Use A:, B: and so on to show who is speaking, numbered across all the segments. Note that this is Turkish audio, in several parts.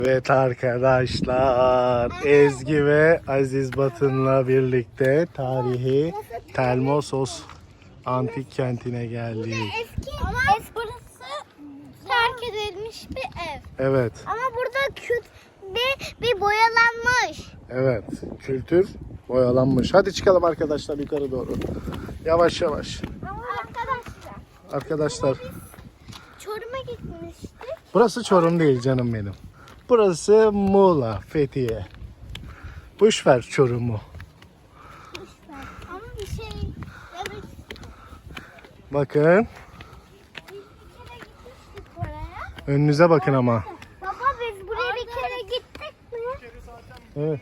A: Evet arkadaşlar, Ezgi ve Aziz Batın'la birlikte tarihi Telmosos antik kentine geldik.
B: Eski ama burası terk edilmiş bir ev.
A: Evet,
B: Ama burada bir boyalanmış.
A: evet, kültür boyalanmış. Hadi çıkalım arkadaşlar yukarı doğru. Yavaş yavaş.
B: Ama
A: Arkadaşlar,
B: Çorum'a gitmiştik.
A: burası Çorum değil canım benim. Burası Muğla, Fethiye. Boş ver Çorum'u.
B: Ama bir şey demek
A: Bakın,
B: biz bir kere gitmiştik oraya.
A: önünüze bakın ama.
B: Baba biz buraya bir kere gittik mi?
A: Evet.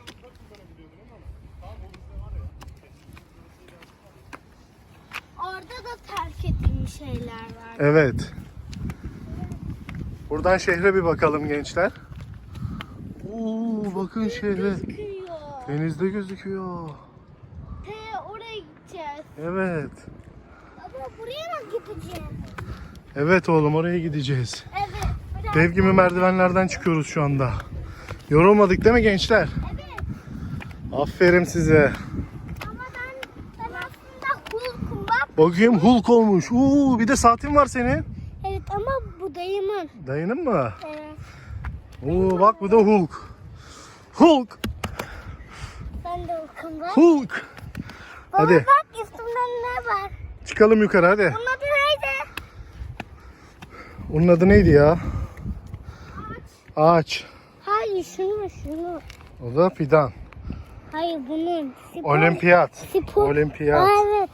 B: Orada da terk edilmiş şeyler var.
A: Evet. Buradan şehre bir bakalım gençler. Oo, bakın şehre.
B: Gözüküyor.
A: Denizde gözüküyor.
B: Oraya gideceğiz.
A: Evet.
B: Baba buraya mı gideceğiz?
A: Evet oğlum, oraya gideceğiz.
B: Evet.
A: Dev gibi merdivenlerden çıkıyoruz şu anda. Yorulmadık değil mi gençler?
B: Evet.
A: Aferin size.
B: Ama ben aslında Hulk'um bak.
A: Bakayım, Hulk olmuş. Bir de saatin var senin.
B: Evet ama bu dayımın.
A: Dayının mı?
B: Evet.
A: Bak bu da Hulk. Hulk.
B: Ben de Hulk'um bak.
A: Hulk.
B: Baba
A: Hadi
B: bak üstümde ne var?
A: çıkalım yukarı hadi.
B: Bunun adı neydi?
A: Onun adı neydi ya? Ağaç.
B: Hayır şunu.
A: O da fidan.
B: Hayır bunun.
A: Olimpiyat.
B: Spor.
A: Olimpiyat.
B: Evet.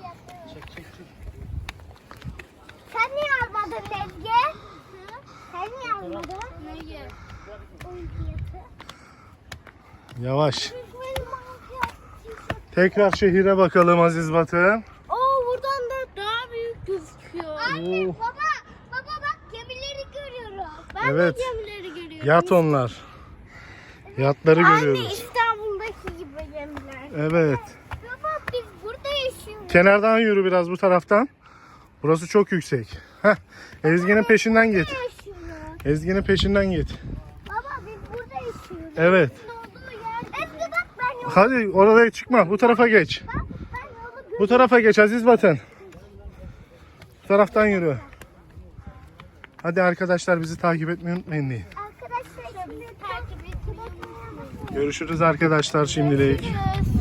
B: Sen niye almadın Ezgi? Sen niye almadın? Neyi? Olimpiyatı.
A: Yavaş.
B: Benim olimpiyat.
A: Tekrar şehire bakalım Aziz Batı.
B: Buradan da daha büyük gözüküyor. Anne
A: Oo.
B: baba bak gemileri görüyorum. Ben
A: Evet.
B: de gemileri görüyorum.
A: Yat onlar. Yatları
B: Anne
A: görüyoruz.
B: İstanbul'daki gibi gemiler.
A: Evet.
B: Baba biz burada yaşıyoruz.
A: Kenardan yürü biraz bu taraftan. Burası çok yüksek. Ezgi'nin peşinden git.
B: Yaşıyoruz.
A: Ezgi'nin peşinden git.
B: Baba biz burada yaşıyoruz.
A: Evet.
B: Doğduğu yer. Ezgi bak ben yolu.
A: Hadi oraya çıkma. Bu tarafa geç.
B: Bak ben yolu görüyorum.
A: Bu tarafa geç Aziz Batın. Bu taraftan yürü. Hadi arkadaşlar, bizi takip etmeyi unutmayın deyin.
B: Arkadaşlar şimdi takip etmeyi unutmayın.
A: Görüşürüz arkadaşlar şimdilik.
B: Görüşürüz.